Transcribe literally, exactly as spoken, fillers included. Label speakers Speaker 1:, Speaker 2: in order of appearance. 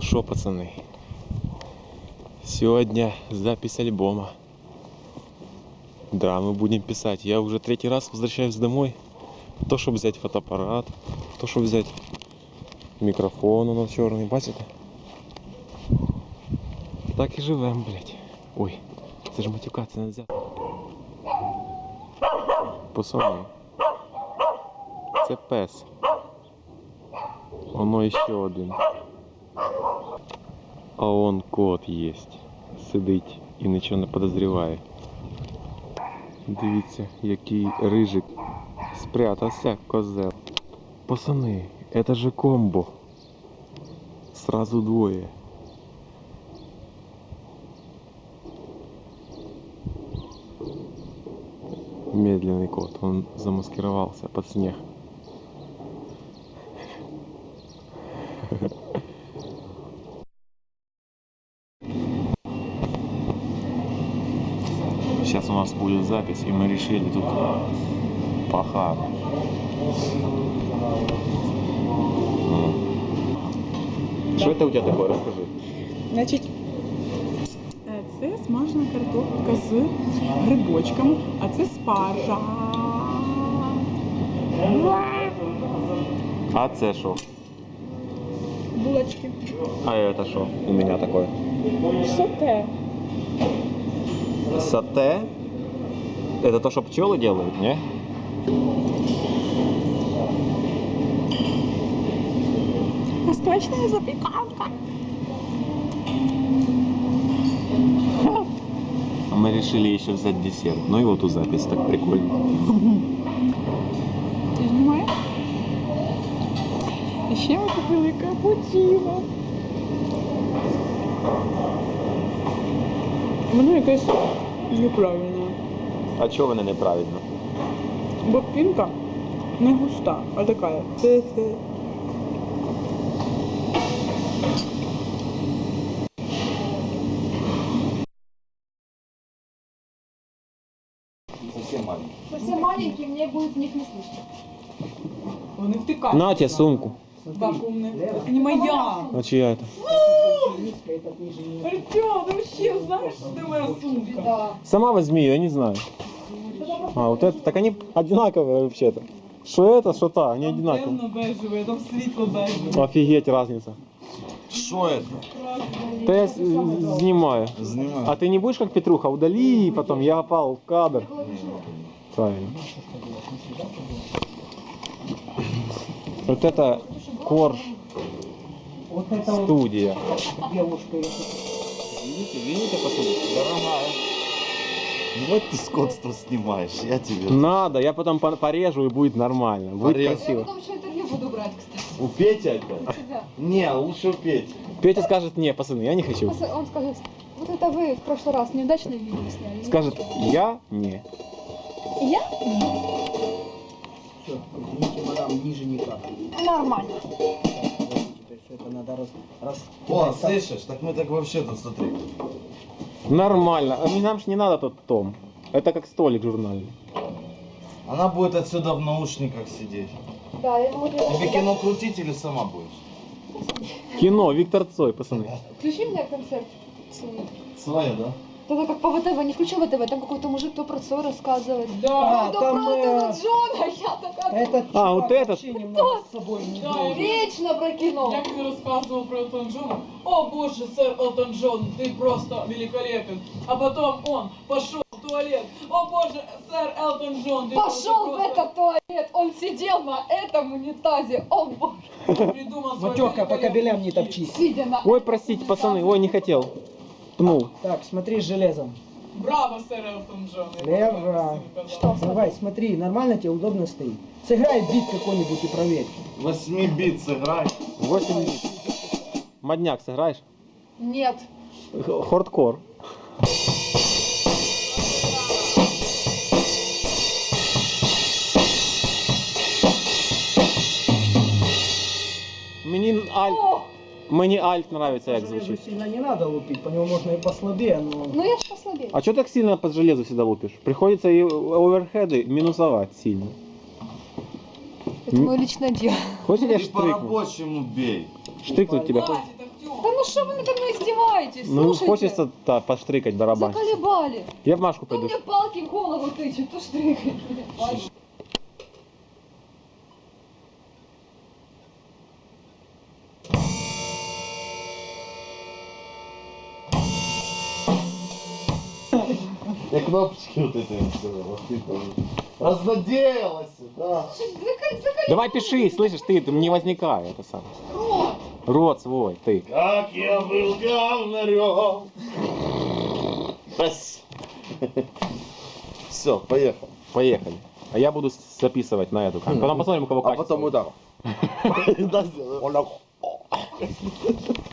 Speaker 1: Ну шо, пацаны, сегодня запись альбома. Да, мы будем писать. Я уже третий раз возвращаюсь домой. То, чтобы взять фотоаппарат, то, чтобы взять микрофон, он черный, бачите? Так и живем, блядь. Ой, це ж матюкаться нельзя. Пацаны, це пес. Оно еще один. А он кот есть. Сидить і нічого не подозріває. Дивіться, який рижик спрятався, козел. Пацаны, это же комбо. Сразу двое. Медленный кот, он замаскировался под снег. Сейчас у нас будет запись, и мы решили тут пахать. Что это у тебя такое? Расскажи.
Speaker 2: Значить, це смажена картопля з грибочками, а це спаржа.
Speaker 1: А це що?
Speaker 2: Булочки.
Speaker 1: А это что у меня такое?
Speaker 2: Соте.
Speaker 1: Сате? Это то, что пчелы делают, не?
Speaker 2: Восточная запеканка.
Speaker 1: А мы решили еще взять десерт. Ну и вот у запись, так прикольно.
Speaker 2: Ти знімаєш? І ще ми купили капучино. Воно якесь неправильне.
Speaker 1: А чого вони неправильно?
Speaker 2: Бо пінка не густа, а така. Хе-хе.
Speaker 3: Совсем маленький.
Speaker 4: Совсем маленький, мне будет в них не слышно.
Speaker 2: Вони втикають.
Speaker 1: На тебе сумку.
Speaker 2: Вакуумне. Это не моя.
Speaker 1: А чья это?
Speaker 2: Артём, ты вообще знаешь, что это моя сумка?
Speaker 4: Да.
Speaker 1: Сама возьми ее, я не знаю. А, вот это, так они одинаковые вообще-то. Что это, что та, они одинаковые.
Speaker 2: Темно-бежевый, там светло-бежевый.
Speaker 1: Офигеть, разница.
Speaker 3: Что это?
Speaker 1: Да я с- снимаю.
Speaker 3: Занимаю.
Speaker 1: А ты не будешь как Петруха, удали, и потом я попал в кадр. Правильно. Вот это Корж студия. Видите, видите, посмотрите, дорогая.
Speaker 3: Вот ты скотство снимаешь, я тебе.
Speaker 1: Надо, я потом по- порежу и будет нормально, будет
Speaker 3: Порежь.
Speaker 4: Я
Speaker 1: красиво.
Speaker 4: потом еще интервью буду брать, кстати.
Speaker 3: У Пети опять?
Speaker 4: У тебя.
Speaker 3: Не, лучше у Пети.
Speaker 1: Петя скажет, не, пацаны, я не хочу.
Speaker 4: Пос- Он скажет, вот это вы в прошлый раз неудачное видео сняли.
Speaker 1: Скажет, я не.
Speaker 4: И я?
Speaker 5: Все, извините, мадам, ниже никак.
Speaker 4: Нормально.
Speaker 5: То есть это надо раз... раз
Speaker 3: О, слышишь? Так мы так вообще тут, смотри.
Speaker 1: Нормально. А нам ж не надо тот том. Это как столик журнальный.
Speaker 3: Она будет отсюда в наушниках сидеть.
Speaker 4: Да, я могу...
Speaker 3: Тебе кино крутить или сама будешь?
Speaker 1: Кино, Виктор Цой, пацаны.
Speaker 4: Включи мне концерт свой.
Speaker 3: Своя, да?
Speaker 4: Тогда как по ВТВ, не включу ВТВ, там какой-то мужик то про Цой рассказывает.
Speaker 2: Да.
Speaker 5: А,
Speaker 4: то
Speaker 5: там,
Speaker 4: про Элтона
Speaker 5: э,
Speaker 4: Джона, я такая...
Speaker 5: Этот
Speaker 1: А,
Speaker 5: чувак
Speaker 1: вот этот?
Speaker 5: вообще немного с собой не
Speaker 2: Да,
Speaker 5: дружит.
Speaker 4: Вечно про кино.
Speaker 2: Я когда рассказывал про Элтона Джона, о боже, сэр Элтон Джон, ты просто великолепен. А потом он пошел в туалет, о боже, сэр Элтон Джон, ты
Speaker 4: Пошел в
Speaker 2: просто
Speaker 4: этот туалет, он сидел на этом унитазе, о боже.
Speaker 2: придумал свой
Speaker 5: Матёха, по
Speaker 2: великолепный
Speaker 5: кабелям не
Speaker 2: стиль.
Speaker 5: топчись.
Speaker 4: Сидя на
Speaker 1: Ой,
Speaker 4: этом
Speaker 1: простите,
Speaker 4: унитазе.
Speaker 1: пацаны, ой, не хотел. Пнул.
Speaker 5: Так, смотри с железом.
Speaker 2: Браво, сэр Элтон Джон. Я
Speaker 5: Лево.
Speaker 2: благодарен, пожалуйста.
Speaker 5: Давай, смотри, нормально тебе удобно стоит. Сыграй бит какой-нибудь и проверь.
Speaker 3: Восьми бит сыграй.
Speaker 1: восемь. Модняк сыграешь?
Speaker 4: Нет.
Speaker 1: Х- Хардкор. Мені альт,
Speaker 4: О,
Speaker 1: мені альт нравится,
Speaker 5: По
Speaker 1: як
Speaker 5: железу
Speaker 1: звучит.
Speaker 5: сильно не надо лупить, по нему можно и послабее, но...
Speaker 4: ну я ж послабее.
Speaker 1: А что так сильно под железо всегда лупишь? Приходится и оверхеды минусовать сильно.
Speaker 4: Это мое личное дело.
Speaker 1: Хочешь я
Speaker 3: Ты
Speaker 1: штрикну?
Speaker 3: по-рабочему бей.
Speaker 1: Штрикнуть тебя хочешь?
Speaker 2: Хватит, Артём.
Speaker 4: Да ну что вы надо мной издеваетесь?
Speaker 1: Ну,
Speaker 4: Слушайте,
Speaker 1: хочется та, поштрикать барабан.
Speaker 4: заколебали.
Speaker 1: Я в Машку
Speaker 4: То
Speaker 1: пойду.
Speaker 4: мне палки в голову тычут, то штрикать.
Speaker 3: Я кнопочки вот эти вот разнадеялась, да.
Speaker 1: Давай пиши, слышишь, ты, ты не возникай, это самое. Рот свой, ты.
Speaker 3: Как я был говнарем. Все, поехал.
Speaker 1: Поехали. А я буду с- записывать на эту камеру. Потом посмотрим, у кого
Speaker 3: А
Speaker 1: качество.
Speaker 3: потом удар. Да, сделаю.